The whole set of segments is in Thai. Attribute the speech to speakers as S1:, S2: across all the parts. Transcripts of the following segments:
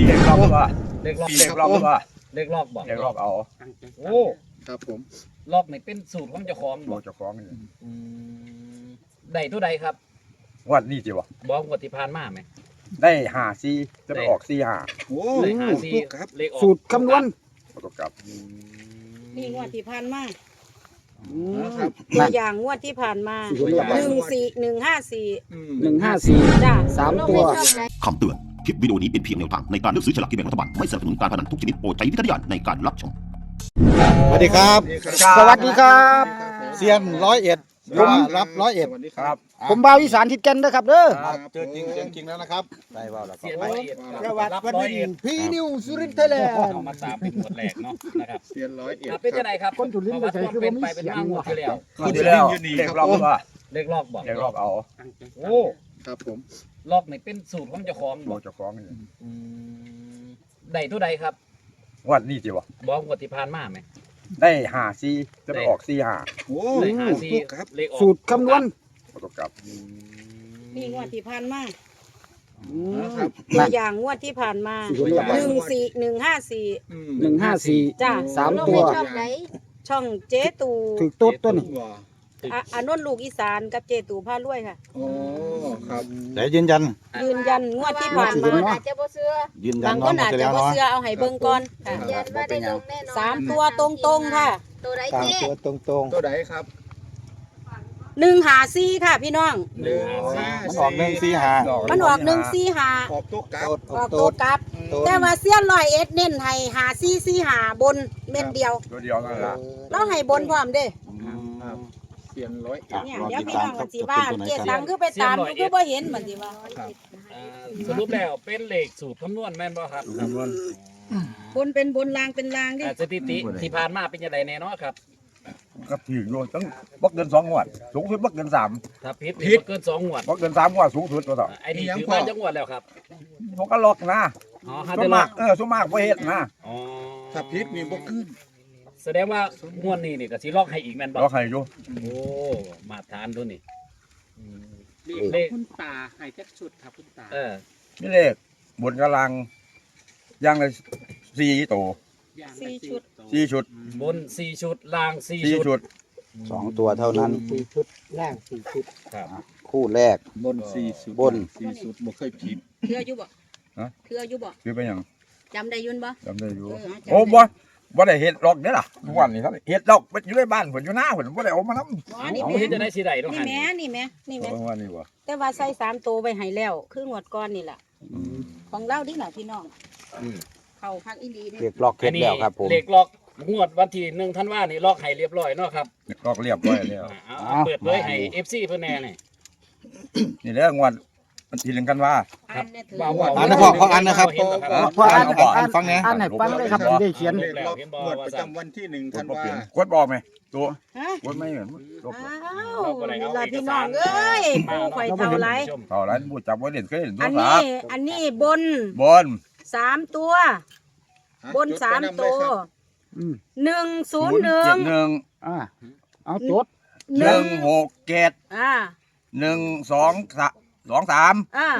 S1: เด็กล็อกว่า
S2: เลขล็อก
S1: เด็กล็อกว่า
S2: เลขล็อกบอก
S1: เด็กล็อกเอา
S2: โอ้
S3: ครับผม
S2: ล็อกนี่เป็นสูตรของเจ้าของ
S1: บบ อ
S2: อก ก
S1: เจ้าของนี่
S2: อืมได้เท่าใดครับ
S1: วัดนี่จิวะ
S2: บอกงวดที่ผ่านมาไหม
S1: ได้5 4จะไปออก4
S3: โอ้
S2: เลขหาซี
S3: ครับ
S2: เลขออก
S4: สูตรคำนวณ
S1: 5ตกกลับ
S5: นี่งวดที่ผ่านมา
S3: ครับ
S5: ตัวอย่างงวดที่ผ่านมา14154 จ้า
S4: 3 ตัว
S6: คำเตือน คลิปวิดีโอนี้เป็นเพียงแนวทางในการเลือกซื้อฉลากกินแบ่งรัฐบาล ไม่สนับสนุนการพนันทุกชนิดโปรดใช้วิจารณญาณในการรับชม
S3: สวัสดีครับ
S4: สวัสดีครับ
S3: เซียน101ผมรับ101
S1: ครับ
S4: ผมบ่าวอีสานทิดแก่นเด้อครับเด้อ
S3: ครับเจอจริงเสียงจริงแล้วนะครับได้ว่าแล้ว
S2: เสีย
S3: ไป
S2: ร้อยเอ็ด
S4: สวัส
S2: รับ
S4: ดี
S2: ร้อยเอ็ด
S4: พี่นิวสุรินทร์ไทยแลนด์
S2: เอามาตามเป็นงวดแรกเนาะนะครับ
S3: เซียน101
S2: ครับเป็นยังไงครับ
S4: คนจุลินทร์
S2: ประวัติ
S4: ไปใส่คือ
S2: เป็
S4: บ่
S2: น
S4: มี
S2: ไปเป็น
S4: เสียง
S2: มางวดที่แล้ว
S1: งวดที่แล้วเด็กล็อกว่า
S2: เลขล็อกบอก
S1: เด็กล็อกเอา
S2: โอ้
S3: ครับผม
S2: ล็อกนี่เป็นสูตรของเจ้าของ
S1: บบ อ
S2: อก ก
S1: เจ้าของนี่
S2: อืมได้เท่าใดครับ
S1: วัดนี่จิวะ
S2: บอกงวดที่ผ่านมาไหม
S1: ได้5 4จะไปออก4
S3: โอ้
S2: เลขหาซี
S3: ครับ
S2: เลขออก
S4: สูตรคำนวณ
S1: 5ตกกลับ
S5: นี่งวดที่ผ่านมา
S3: ครับ
S5: ตัวอย่างงวดที่ผ่านมา14154
S4: 154
S5: จ้า
S4: 3 ตัว
S5: ช่องเจ๊ตู
S4: ถึกโต๊ดตัวนี้
S3: ว้า
S5: อนนท์ลูกอีสานกับเจตูพารวยค่ะ
S3: โอ้ครับ
S7: แต่ยืนยัน
S5: ยืนยันงวดที่ผ่านมา
S4: อาจ
S5: จะบ่เชื่อ
S7: ยืนยั
S5: บาน งค
S7: เนาะ
S5: นอาจ
S7: จะ
S5: จะ
S7: แล้ว
S5: บ่
S7: เนาะ
S5: เชื่อเอาให้เบิ่งก่อนค่ะ
S7: ยันว่าได้ลงแน่
S5: สามตัวตรงๆค่ะ
S7: ตามตัวตรง
S3: ตัวไหนครับ
S5: 154ค่ะพี่น้อง
S3: หนึ่ง
S7: ๆมันออก145
S5: มันออก145
S3: ออกตัวกลับ
S5: ออกตัวกลับ แต่ว่าเสี้ยน101เน้นให้5445บนเม็ดเดียว
S1: ตัวเดียวนั่นล่ะ
S5: เราให้บนพร้อมเด้
S3: เซียน101
S5: เนี่ยเดี๋ยวพี่น้องมันสิว่าเจ็ดตังคือไปตามคือบ่เห็นมันสิว่า
S2: สรุปแล้วเป็นเลขสูตรคำนวณแม่นบ่ครับ
S1: คำนวณ
S5: บนเป็นบนลางเป็นลางดิ
S2: สถิติที่ผ่านมาเป็นยังไงแน่เนอนครับ
S1: ก็ถืออยู่ตั้งบ่เกิน2 งวดสูงสุดบ่เกิน3
S2: ถ้าผิดนี่บ่เกิน2งวด
S1: บ่เกิน3 งวดสูงสุดตัวต่อ
S2: ไอ้นี่ถือว่าจังงวดแล้วครับ
S1: ผมก็ล็อกนะ
S2: อ๋อฮะ
S1: ส่ว
S2: เดี๋ย
S1: น
S2: ว
S1: มากส่วนมากบ่เฮ็ดนะ
S2: อ๋อ
S3: ถ้าพิษนี่บ่ขึ้น
S2: แสดงว่างวดนี้นี่ก็สิล็อกให้อีกแม่นบ่
S1: ล็อกให้อยู่
S2: โอ้มาทานดูนี่อืมเลข
S8: คุณตาให้แจ็คชุดครับคุณตา
S1: นี่เลขบนกำลังอย่างละ4ตัว
S5: 4 ชุด
S1: 4ชุด
S2: บน4ชุดล่าง4
S1: 4
S2: ชุ
S1: ชุ
S2: ด
S1: ด
S7: 2ตัวเท่านั้น
S4: 4 ชุดล่าง 4 ชุด
S2: ครับ
S7: คู่แรก
S3: บน4สุด
S7: บน
S3: 4สุดบ่เคยผิด
S5: เทื่ออยู่บ่เทื่ออยู่บ่
S1: คือเป็นหยัง
S5: จำได้อยุ่นบ่
S1: จำได้อยู่
S5: เออจำได้
S1: โอ้บ่ได้เฮ็ดล็อกเด้อล่ะทุกวันนี้ครับเฮ็ดล็อกอยู่ในบ้านเพิ่นอยู่หน้าเพิ่นบ่ได้เอามานำ
S5: อ๋อนี่
S2: เอา
S5: แม่
S2: เฮ็ดจะได้สิได้ต้อง
S5: นี่
S2: หัน
S5: แม่นี่แม่นี่แม่
S1: ว่านี่บ่
S5: แต่ว่าใส่3ตัวไว้ให้แล้ว คืองวดก่อนนี่ล่ะของเราดิล่ะพี่น้องเข้าพักอีหลีนี่
S7: เรียกล็อกเค
S2: อั
S7: ส
S2: นนี้
S7: แล้วครับผม
S2: เลขล็อกงวดวันที่1ธันวาคมนี่ล็อกให้เรียบร้อยเนาะครับ
S1: ล็อกเรียบร้อยแล้ว
S2: เอาเปิดเผยให้ FC เพิ่นแน่นี่
S1: นี่แหละงวดวันที่1กันว่า
S5: อันเนี่ยถือ
S2: ว่า
S5: ว่า
S7: อ่านนะพ่อขออ่านนะครับ
S2: เห็บ่ครับ
S4: พออ่าน
S7: อ่านฟังเนี่ย
S4: อ่านให้ฟังเลยครับผมได้เขียน
S3: เลขล็อกงวดประจำวันที่1ธันวาคม
S1: กดบ่ไหมตัว
S5: ฮะ
S1: กดไม่เหมือนลบ
S5: อ้าวนี่ล่ะพี่น้องเอ้ยปูข่อยเท่าไร
S1: เท่านั้นบ่จับไว้เล่นเคยเล่นโท
S5: อั
S1: ร
S5: น
S1: ศั
S5: นี้
S1: พท์
S5: อันนี้บน
S1: บน
S5: 3 ตัว บน
S3: จดไว้นำ
S5: 3 ตัว
S3: เลยครับ
S5: 101
S1: 171
S4: อ่าเอาจด
S1: 167
S5: อ่า
S1: 123
S5: อ่า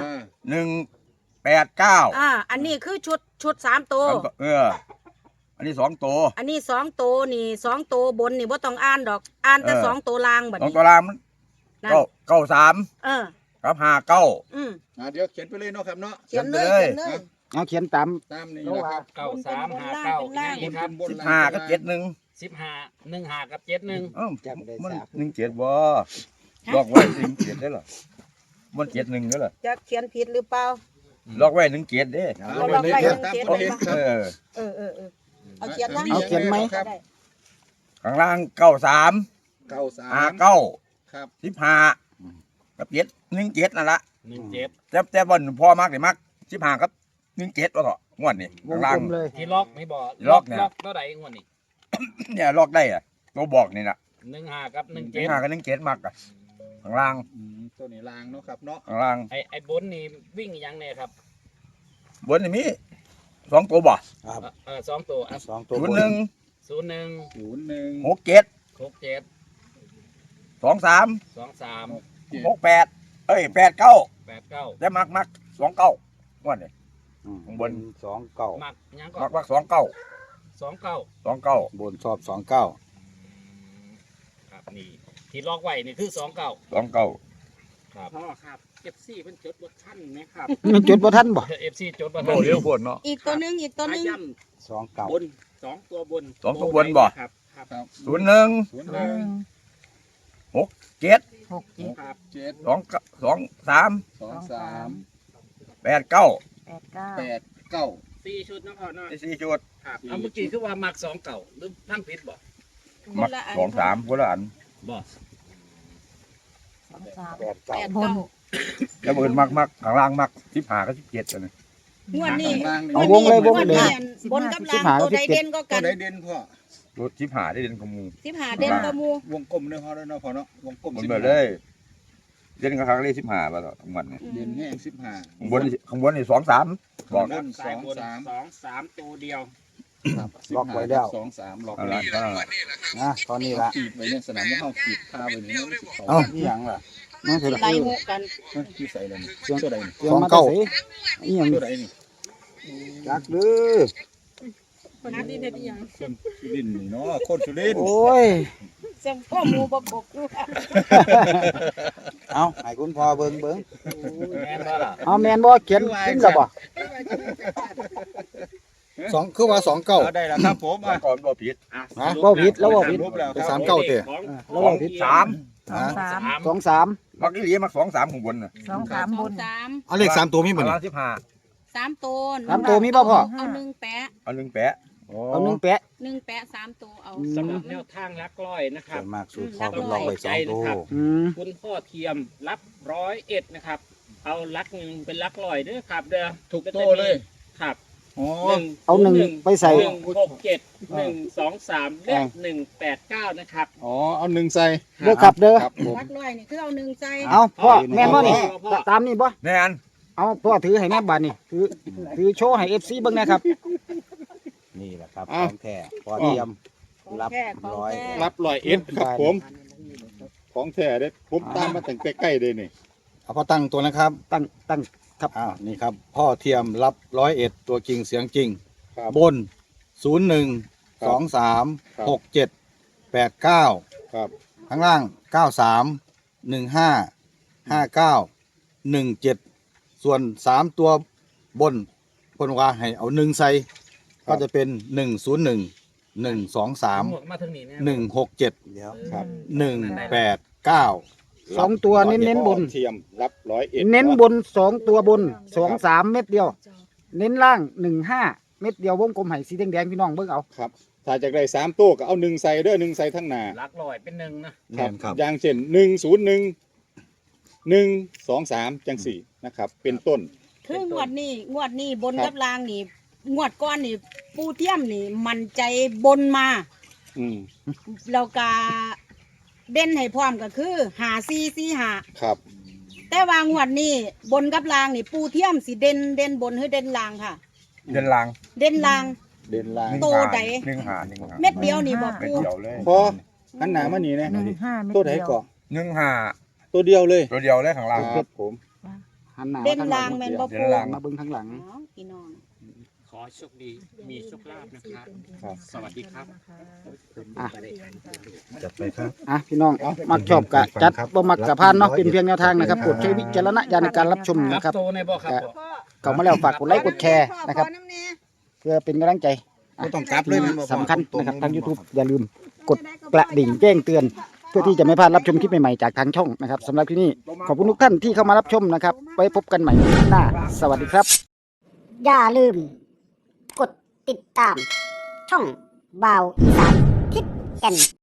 S1: 189
S5: อันนี้คือชุด3ตัว
S1: อันนี้2ตัว
S5: อันนี้2ตัวนี่2ตัวบนนี่บ่ต้องอ่านดอก อ่านแต่2ตัวล่างบัด
S1: สอง
S5: นี้
S1: ตัวรามมัน
S5: นั่น
S1: 93
S5: เออ
S1: กับ59
S5: อืม
S3: เดี๋ยวเขียนไปเลยเนาะครับเนาะ
S5: เขียนเลย
S1: เขี
S5: เขี
S1: ย
S5: ย
S1: น
S5: น
S1: เล
S5: เลย ย
S4: เอาเขียนตาม
S3: ตามนี้นะครับ
S2: 9359นี่ครับ
S3: บน
S1: 15กับ71
S2: 15 15กับ71
S1: มัน17บ่ลอกไว้17ได้เหรอมัน71ได้เหรอ
S5: จะเขียนผิดหรือเปล่า
S1: ลอกไว้17เด้
S3: เอาไว้เลยครับตามคนเห็นครับ
S1: เออ
S5: เอาเขียนทั้ง
S4: เอาเขียนไหม
S5: ก็ด้
S1: ข้างล่าง93
S3: 93
S1: 59
S3: ครับ
S1: 15กับ17นั่นล่ะ
S2: 17
S1: แต่บ่นพอมักนี่มัก15กับ17ว่าเถาะงวดนี่
S4: ว
S1: ข้าง งล่าง
S4: กลมเลย
S2: ที่ล็อกไม่บอก
S1: ล็อกเนี่ย
S2: ล็อกเท่าใดงวดนี้
S1: เนี่ยลอกได้อะตัวบอกนี่น่ะ
S2: 15กับ17
S1: 15กับ17มักอ่ะข้างล่าง
S3: ตัวนี้ลางเนาะครับเนาะ
S1: ข้างล่าง
S2: ไอ้บนนี่วิ่งอีหยังแน่ครับ
S1: บนนี่มี2ตัวบ่
S2: สองตัวอ่ะ
S7: 2ตัวบน
S1: 01
S2: 01
S3: 01
S1: 67
S2: 67
S1: 23
S2: 23
S1: 68 89
S2: 89
S1: แต่มัก29งวดนี่ข้างบน
S7: สองเก้า
S2: มักยังก็
S1: มัก2 9
S2: 29
S1: 2 9
S7: บนชอบสองเก้า
S2: ครับนี่ที่ล็อกไว้นี่คือ29
S1: 2 9
S2: ครับ
S8: พ่อครับเอฟซีเป็นจดบทท่านไหมครับ
S4: มันจุดบ่ทันบ่
S2: FC จดบ่
S1: โอ้เร็วโพดเนาะ
S5: อีกตัวหนึงอีกตัวหนึง
S8: ย่
S7: สองเก้า
S8: ำบนสองตัวบน
S1: สองตัวบนบ่
S8: ครับครับ
S3: ครับ
S1: 01
S3: ศูนย์หนึ่ง
S1: 7
S8: ครับ
S3: เจ็ด
S1: 2 3
S3: สองสาม
S1: 8 9
S3: แปดเก้า
S8: 4 ชุดนะพ่อเนาะ
S1: 4ชุด
S8: ครับ
S2: เอาเมื่อกี้คือว่ามัก29หรือทั้งผิดบ่
S1: มัก2 3คนละอัน
S2: บ่
S7: แปดเก้า
S5: 8 9
S1: แล้วอื่นมักข้างล่างมัก15กับ17อันนี้
S5: งวดนี้
S3: ข้างล่างนี่
S4: เอาวงเลย
S5: งวดนี้บนกับล่างตัวใดเด่นก็
S3: ตั
S5: กั
S3: วน ไหนเด่นพ่อ
S1: รถ15ได้เด่นกว่าหมู่
S5: 15เด่นก็หมู่
S3: วงกลมด้วยพ่อด้วยเนาะพ่อเนาะวงกลม
S1: มัน
S3: สิบ
S1: เบิดเลยเด่นกับครั้งเลข15บ่ต่อทั้งวันนี่
S3: เด่นแห้ง15
S1: ข้างบนนี่2 3บอก
S3: ข้างบน
S8: สายบน2 3ตัวเดียว
S3: ครับ
S7: ล็อกไว้แล้ว
S3: สองสามล็อก
S1: เอา
S3: ไว้
S1: ละ
S3: แล้ว
S7: นะตอนนี้ละ
S3: ขีดไว้ในสนามว่าเขาขีดคาไว้เนี่ย
S7: เอ้านี่หยังล่ะนั่นคือ
S5: ไล่หมู่กัน
S3: ที่ใส่เลยเครื่องตัวใดนี่
S4: เตรียมมาแต่ไสอีหยัง
S3: ตัวใดนี่
S7: จักหรือ
S5: หาดินเฮ็ดอีหยัง
S3: คนสุรินทร์นี่เนาะคนสุรินทร์
S4: โอ้ย
S5: เสียงพ่อหมู่บ่กบอยู่
S7: เอาให้คุณพ่อเบิ่ง
S2: แม่นบ่ล่ะ
S4: เอาแม่นบ่เขียนขึ้นแล้วบ่
S7: สองคือว่าสองเก้า
S3: เอาได้แล้วครับผม
S1: มาก่อนบ่ผิด
S7: ฮะ
S4: บ่ผิดแล้วบ่ผิด
S3: รูปแล้ว
S7: ไป
S3: ครับ
S7: สามเก้าเตะ
S4: แล้วบ่ผิด
S1: 3
S7: ฮะ
S4: 23
S1: มักอีหลีมัก2 3ข้างบนน่ะ
S5: 2 3บน
S7: เอาเลขสามตัวมีบ่
S1: ข้าง
S7: นี่
S1: ล่าง15
S5: 3ตัว
S4: สามตัวมีบ่พ่อ
S5: เอา1แปะ
S1: เอา1แปะ
S4: เอา1แปะ
S5: 1แปะ3ตัวเอา
S8: สำหรับแนวทางลักร้อยนะค
S7: ส่
S8: รั
S7: ว
S8: บ
S7: นมากสูตรพ่อเป็นล็อกไว้สองตัว
S4: อืม
S8: คุณพ่อเทียมรับ101นะครับ เอาลักหนึ่งเป็นลักร้อยเด้อครับ เด้อ
S3: ถูกโตเลย
S8: ครับ
S3: อ๋อ
S4: เอาหนึ่งไปใส่
S8: 167 123และ189นะครับ
S3: อ๋อเอาหนึ่งใส่
S4: เด้อครับเด้อ
S3: ครับผม
S5: วัดร้อยนี่คือเอา1ใจ
S4: เอาพ่อแม่นบ่นี่ตามนี่บ่
S1: แม่น
S4: เอาพ่อถือให้แม่บัดนี่ถือโชว์ให้ FC เบิ่งนะครับ
S7: นี่แหละครับของแท้พ่อเตรียม รับ
S5: แค่ของ
S7: ร้อย
S5: แท้
S3: รับ101ครับผม ของแท้เด้ผมตามมาตั้งแต่ใกล้เลยนี่
S7: เอาพ่อตั้งตัวนะครับ
S4: ตั้งครับ
S7: อ้าวนี่ครับ พ่อเทียมรับ101ตัวจริงเสียงจริง
S3: ครับ
S7: บน 01 23 67 89
S3: ครับ
S7: ข้างล่าง 93 15 59 17 ส่วน 3 ตัวบนพนว่าให้เอา1ใส่ก็จะเป็น 101 123
S2: มาถึงนี่เนี่ย
S7: 167 เดี๋ยว
S3: ครับ
S7: 189
S4: สองตัวเน้นๆบน
S3: เทียมรับ101
S4: เน้นบน2ตัวบน23เม็ดเดียว เน้นล่าง15เม็ดเดียววงกลมให้สีแดงๆพี่น้องเบิ่งเอา
S3: ครับ ถ้าจากได้3ตัวก็เอา1ใส่เด้อ1ใส่ทั้งหน้า
S2: ลักร้อยเป็นหนึ่งนะ
S7: แม่นครับ
S3: อย่างเช่น101 123จังสี่นะครับ เป็นต้น
S5: คืองวดนี้บนกับล่างนี่งวดก้อนนี่ปูเทียมนี่มันใจบนมา
S3: อืม
S5: แล้วก็เด่นให้พร้อมก็คือ5445
S3: ครับ
S5: แต่ว่างวดนี้บนกับล่างนี่ปูเทียมสิเด่นบนหรือเด่นล่างค่ะ
S1: เดินลาง
S5: เด่นล่าง
S3: เด่นล่าง
S5: โตใด
S1: 1
S5: เม็ดเดียวนี่บ่
S1: เม็ด
S5: ปู
S1: เดียวเลย
S3: พออันหนามานี่นะตัวไหนก่อน
S1: 15
S3: ตัวเดียวเลย
S1: ตัวเดียวเลยข้างล่าง
S3: ครับผม
S4: หันหน้า
S5: เด่น
S4: มาทางห
S5: ล่า
S4: ลั
S5: ง
S4: ง
S5: แม่นบ่
S1: เด่
S5: ปู
S1: นล่าง
S4: มาเบิ่งทางหลัง
S5: อ๋อพี่น้อง
S8: ขอโชคดี มีโชคลาภนะครับ
S3: ครับ
S8: สวัสดีครับ
S7: จัดไปครับ
S4: อ่ะพี่น้องมักชอบกะจัดบ่มักกะพานเนาะเป็นเพียงแนวทางนะครับโปรดใช้วิจารณญาณในการรับชม
S2: รับ
S4: นะครับ
S2: โตในบ่ครับบ่
S4: เข้ามาแล้วฝากกดไลค์กดแชร์นะครับ เพื่อเป็นกำลังใจ
S7: บ่ต้องกลับเลยแม่นบ่พ่อ
S4: สำคัญนะครับทาง YouTube อย่าลืมกดกระดิ่งแจ้งเตือน เพื่อที่จะไม่พลาดรับชมคลิปใหม่ๆจากทางช่องนะครับสำหรับที่นี่ขอบคุณทุกท่านที่เข้ามารับชมนะครับไว้พบกันใหม่คลิปหน้าสวัสดีครับ
S9: อย่าลืม กดติดตาม ช่องบ่าวอีสานทิศแก่น